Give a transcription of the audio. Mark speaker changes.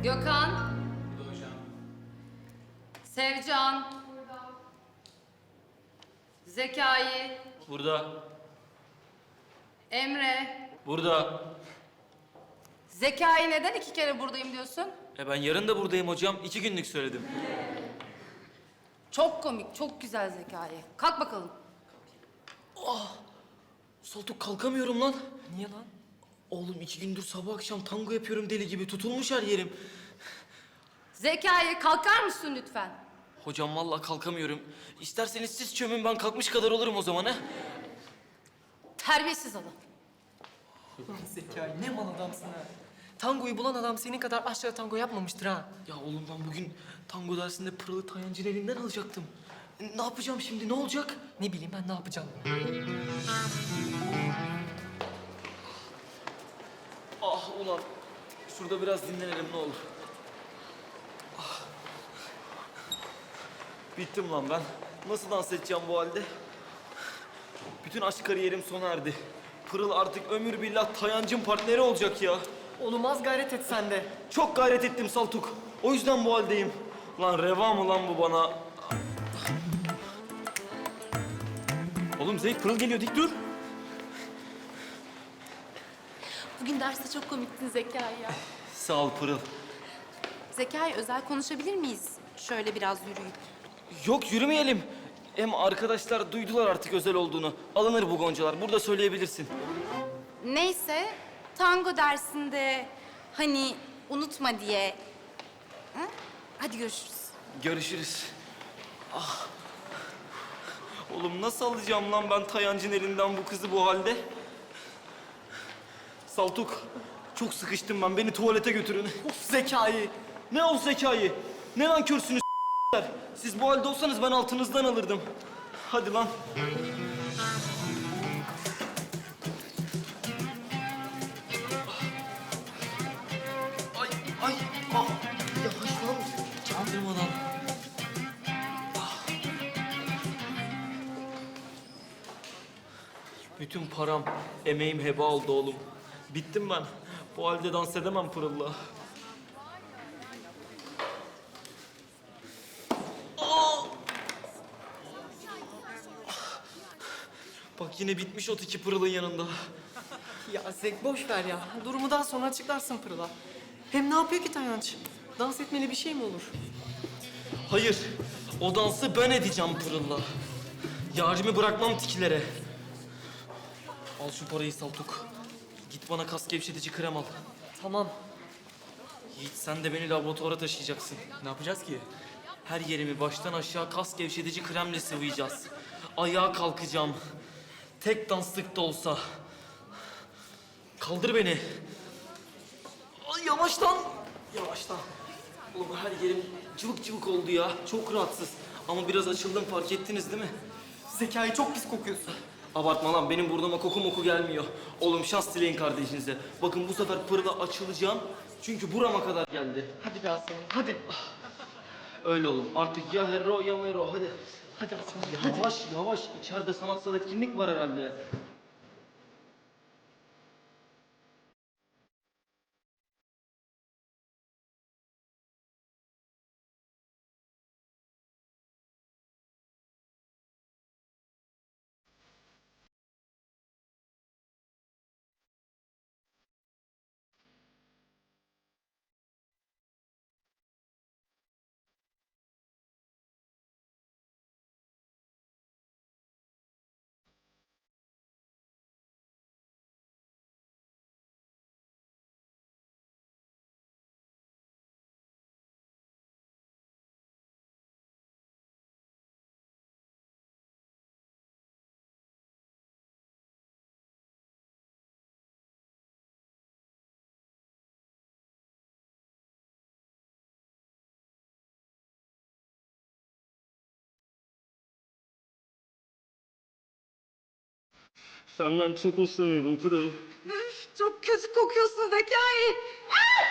Speaker 1: Gökhan.
Speaker 2: Burada hocam.
Speaker 1: Sevcan. Burada. Zekai.
Speaker 3: Burada.
Speaker 1: Emre.
Speaker 3: Burada.
Speaker 1: Zekai neden 2 kere buradayım diyorsun?
Speaker 3: Ben yarın da buradayım hocam. 2 günlük söyledim.
Speaker 1: Çok komik, çok güzel Zekai. Kalk bakalım.
Speaker 3: Saltuk kalkamıyorum lan.
Speaker 2: Niye lan?
Speaker 3: Oğlum 2 gündür sabah akşam tango yapıyorum deli gibi. Tutulmuş her yerim.
Speaker 1: Zekai kalkar mısın lütfen?
Speaker 3: Hocam vallahi kalkamıyorum. İsterseniz siz çömün, ben kalkmış kadar olurum o zaman ha.
Speaker 1: Terbiyesiz adam.
Speaker 2: Zekai ne mal adamsın ha. Tangoyu bulan adam senin kadar aşağı tango yapmamıştır ha.
Speaker 3: Ya oğlum ben bugün tango dersinde Pırıl'ı Tayancı'nın elinden alacaktım. Ne yapacağım şimdi, ne olacak?
Speaker 2: Ne bileyim ben ne yapacağım.
Speaker 3: Ah ulan. Şurada biraz dinlenelim ne olur. Bittim lan ben. Nasıl dans edeceğim bu halde? Bütün aşk kariyerim sona erdi. Pırıl artık ömür billah Tayancı'nın partneri olacak ya.
Speaker 2: Oğlum az gayret et sen de.
Speaker 3: Çok gayret ettim Saltuk. O yüzden bu haldeyim. Lan reva mı lan bu bana? Oğlum Zeyk, Pırıl geliyor, dik dur.
Speaker 4: Bugün derste çok komiktin Zekai ya.
Speaker 3: Sağ ol Pırıl.
Speaker 4: Zekai özel konuşabilir miyiz? Şöyle biraz yürüyüp.
Speaker 3: Yok yürümeyelim. Hem arkadaşlar duydular artık özel olduğunu. Alınır bu goncalar. Burada söyleyebilirsin.
Speaker 4: Neyse, tango dersinde hani unutma diye. Ha? Hadi görüşürüz.
Speaker 3: Görüşürüz. Ah. Oğlum nasıl alacağım lan ben Tayancı'nın elinden bu kızı bu halde? Saltuk, çok sıkıştım ben. Beni tuvalete götürün.
Speaker 2: Of Zekai.
Speaker 3: Ne o zekayı? Ne lan körsünüz s**ler? Siz bu halde olsanız ben altınızdan alırdım. Hadi lan. Ay, ay, ah. Yavaş lan. Çaldırmadan. Ah. Bütün param, emeğim heba oldu oğlum. Bittim ben. Bu halde dans edemem Pırıl'la. Bak yine bitmiş o tiki Pırıl'ın yanında.
Speaker 2: Ya Zek boş ver ya. Durumu daha sonra açıklarsın Pırıl'a. Hem ne yapıyor ki Tayanç? Dans etmeli bir şey mi olur?
Speaker 3: Hayır, o dansı ben edeceğim Pırıl'la. Yarimi bırakmam tikilere. Al şu parayı Saltuk. Git bana kas gevşetici krem al.
Speaker 2: Tamam.
Speaker 3: Yiğit sen de beni laboratuvara taşıyacaksın.
Speaker 2: Ne yapacağız ki?
Speaker 3: Her yerimi baştan aşağı kas gevşetici kremle sıvayacağız. Ayağa kalkacağım. Tek danslık da olsa. Kaldır beni. Ay yavaştan. Yavaştan. Oğlum her yerim cıvık cıvık oldu ya. Çok rahatsız. Ama biraz açıldım, fark ettiniz değil mi?
Speaker 2: Zekai çok pis kokuyorsun.
Speaker 3: Abartma lan, benim burnuma koku moku gelmiyor. Oğlum şans dileyin kardeşinize. Bakın bu sefer Pırıl'a açılacağım. Çünkü burama kadar geldi.
Speaker 2: Hadi be aslanım hadi.
Speaker 3: Öyle oğlum. Artık ya hero ya mero. Hadi. Hadi aslanım. Yavaş yavaş. İçeride sanatsal etkinlik var herhalde. Senden çok hoşlanıyorum Pırıl.
Speaker 1: Çok kötü kokuyorsun Zekai.